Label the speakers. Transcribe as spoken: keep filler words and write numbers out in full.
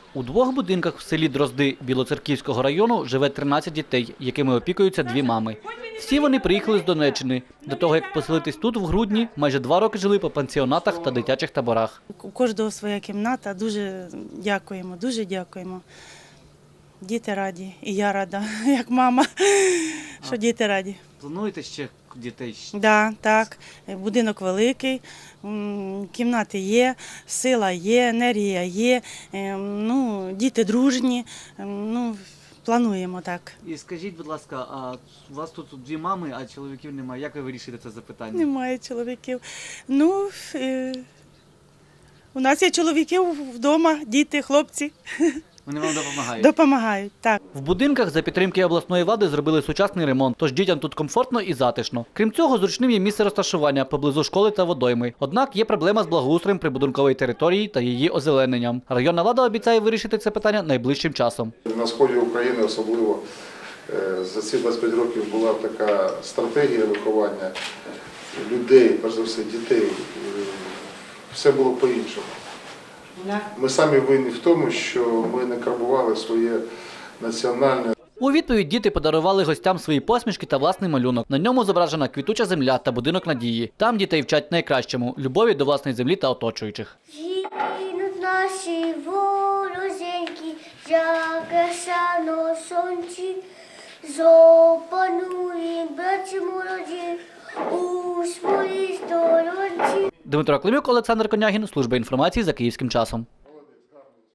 Speaker 1: У двох будинках в селі Дрозди Білоцерківського району живе тринадцять дітей, якими опікуються дві мами. Всі вони приїхали з Донеччини. До того, як поселитись тут в грудні, майже два роки жили по пансіонатах та дитячих таборах.
Speaker 2: У кожного своя кімната. Дуже дякуємо, дуже дякуємо. Діти раді, і я рада, як мама, що діти раді.
Speaker 1: Плануєте ще дітей?
Speaker 2: Да, так, будинок великий, м, кімнати є, сила є, енергія є, ем, ну, діти дружні, ем, ну, плануємо так.
Speaker 1: І скажіть, будь ласка, а у вас тут дві мами, а чоловіків немає. Як ви вирішите це запитання?
Speaker 2: Немає чоловіків. Ну, е, у нас є чоловіків вдома, діти, хлопці.
Speaker 1: Вони вам допомагають?
Speaker 2: Допомагають, так.
Speaker 1: В будинках за підтримки обласної влади зробили сучасний ремонт, тож дітям тут комфортно і затишно. Крім цього, зручним є місце розташування поблизу школи та водойми. Однак є проблема з благоустроєм прибудинкової території та її озелененням. Районна влада обіцяє вирішити це питання найближчим часом.
Speaker 3: На сході України особливо за ці двадцять п'ять років була така стратегія виховання людей, перш за все дітей. Все було по-іншому. Ми самі винні в тому, що ми не карбували своє національне.
Speaker 1: У відповідь діти подарували гостям свої посмішки та власний малюнок. На ньому зображена квітуча земля та будинок надії. Там дітей вчать найкращому – любові до власної землі та оточуючих.
Speaker 4: Гинуть наші ворозеньки, як на сонці, запанує братці молоді у своїй сторонці.
Speaker 1: Дмитро Климюк, Олександр Конягін, служба інформації за Київським часом.